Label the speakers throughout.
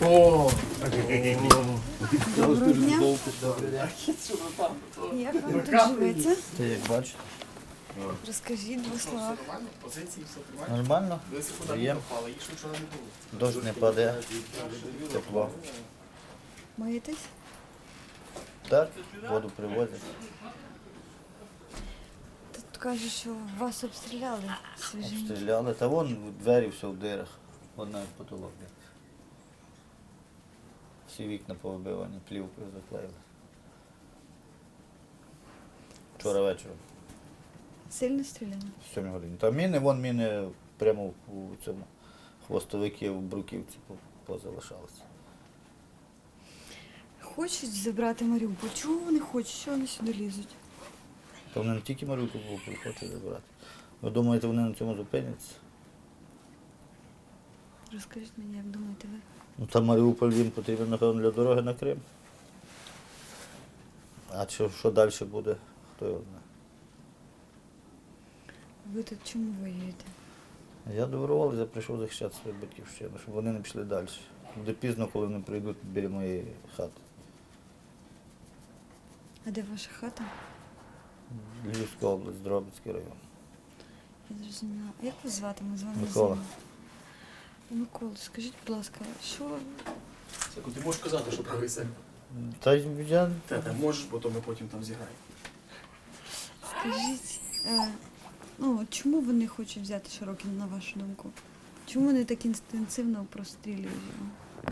Speaker 1: О!
Speaker 2: Доброго дня.
Speaker 3: Добрий день.
Speaker 2: Як вам тут живеться?
Speaker 3: Ти як бачите?
Speaker 2: Розкажіть в двох словах.
Speaker 1: Позиції все тримаємо.
Speaker 3: Нормально?
Speaker 1: Дивися, куди
Speaker 3: Є.
Speaker 1: ми попали, їх вчора не було.
Speaker 3: Дощ не паде, тепло.
Speaker 2: Миєтесь?
Speaker 3: Так, воду привозять.
Speaker 2: Тут кажуть, що вас обстріляли свіжі.
Speaker 3: Стріляли. Та вон двері все в дирах. Вон навіть потолок. Де. Всі вікна повибивані, плівкою заклеїли. Вчора вечором,
Speaker 2: Сильно стріляли?
Speaker 3: в 7 годині. Та міни, вон міни прямо у цьому хвостовики в Бруківці позалишалися.
Speaker 2: Хочуть забрати Маріуполь. Чого вони хочуть? Що вони сюди лізуть?
Speaker 3: Та вони не тільки Маріуполь хочуть забрати. Ви думаєте, вони на цьому зупиняться?
Speaker 2: Розкажіть мені, як думаєте ви?
Speaker 3: Ну там Маріуполь їм потрібен, напевно, для дороги на Крим. А що далі буде, хто його знає.
Speaker 2: Ви тут чому воюєте?
Speaker 3: Я доброволець, я прийшов захищати свою батьківщину, щоб вони не пішли далі. Буде пізно, коли вони прийдуть біля моєї хати.
Speaker 2: А де ваша хата?
Speaker 3: Львівська область, Дрогобицький район.
Speaker 2: Я зрозуміла. А як вас звати? Ми з вами
Speaker 3: Микола.
Speaker 2: знайомі. Микола, скажіть, будь ласка, що
Speaker 1: Сяку, ти можеш казати, що правий себе?
Speaker 3: Та я
Speaker 1: Та можеш, бо то ми потім там зіграємо.
Speaker 2: скажіть, ну чому вони хочуть взяти Широкін, на вашу думку? Чому вони так інстинктивно прострілюють його?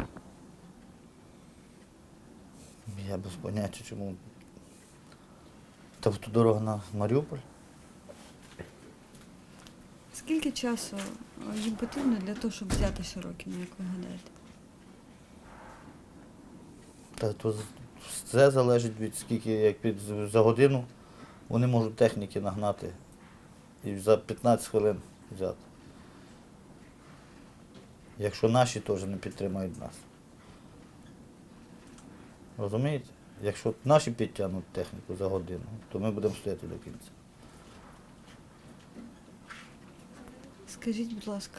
Speaker 3: Я без поняття, чому. Тобто дорога на Маріуполь.
Speaker 2: Скільки часу їм потрібно для того, щоб взяти Широкіна, як ви гадаєте?
Speaker 3: Та то все залежить від скільки, як за годину вони можуть техніки нагнати і за 15 хвилин взяти. Якщо наші теж не підтримають нас. Розумієте? Якщо наші підтягнуть техніку за годину, то ми будемо стояти до кінця.
Speaker 2: Скажіть, будь ласка,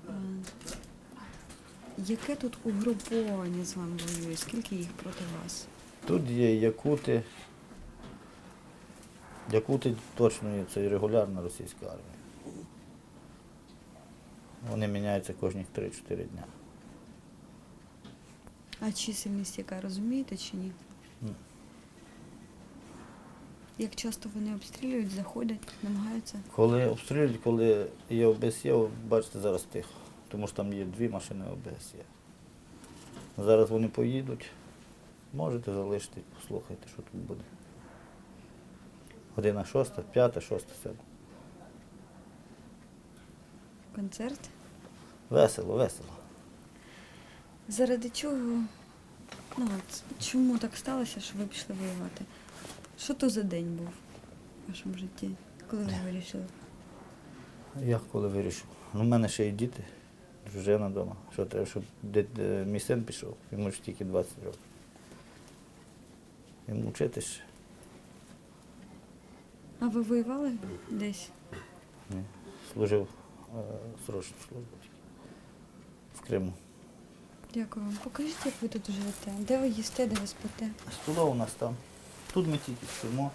Speaker 2: яке тут угруповання з вами воює? Скільки їх проти вас?
Speaker 3: Тут є якути. Якути точно є, це і регулярна російська армія. Вони міняються кожні 3-4 дня.
Speaker 2: А чисельність яка, розумієте чи ні?
Speaker 3: Ні.
Speaker 2: Як часто вони обстрілюють, заходять, намагаються?
Speaker 3: Коли обстрілюють, коли є ОБСЄ, бачите, зараз тихо. Тому що там є 2 машини ОБСЄ. Зараз вони поїдуть. Можете залишити, послухайте, що тут буде. Година 6, 5, 6, 7.
Speaker 2: Концерт?
Speaker 3: Весело, весело.
Speaker 2: Заради чого? Ну от, чому так сталося, що ви пішли воювати? Що то за день був в вашому житті, коли ви вирішили?
Speaker 3: Як коли вирішив? Ну, в мене ще й діти, дружина вдома. Що треба, щоб мій син пішов, йому ж тільки 20 років. Йому вчитись ще.
Speaker 2: А ви воювали десь?
Speaker 3: Ні. Служив срочну службу в Криму.
Speaker 2: Дякую вам. Покажіть, як ви тут живете. Де ви їсте, де ви спите?
Speaker 3: Столова у нас там. Тут ми тільки спимо.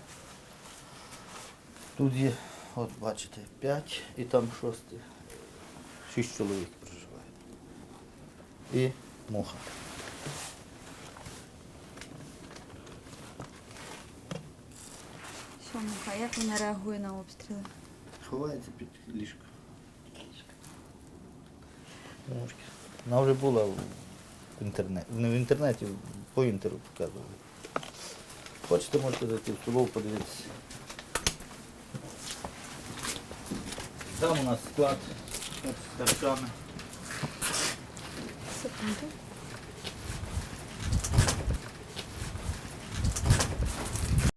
Speaker 3: Тут є, от бачите, 5 і там 6. 6 чоловік проживає. І муха.
Speaker 2: Що, Муха, як вона реагує на обстріли?
Speaker 3: Ховається під ліжко. Мушки. Вона вже була в інтернеті. Не в інтернеті, по інтеру показували. Хочете, можете зайти в столову, подивитися. Там у нас склад з харчами.
Speaker 2: Секунду.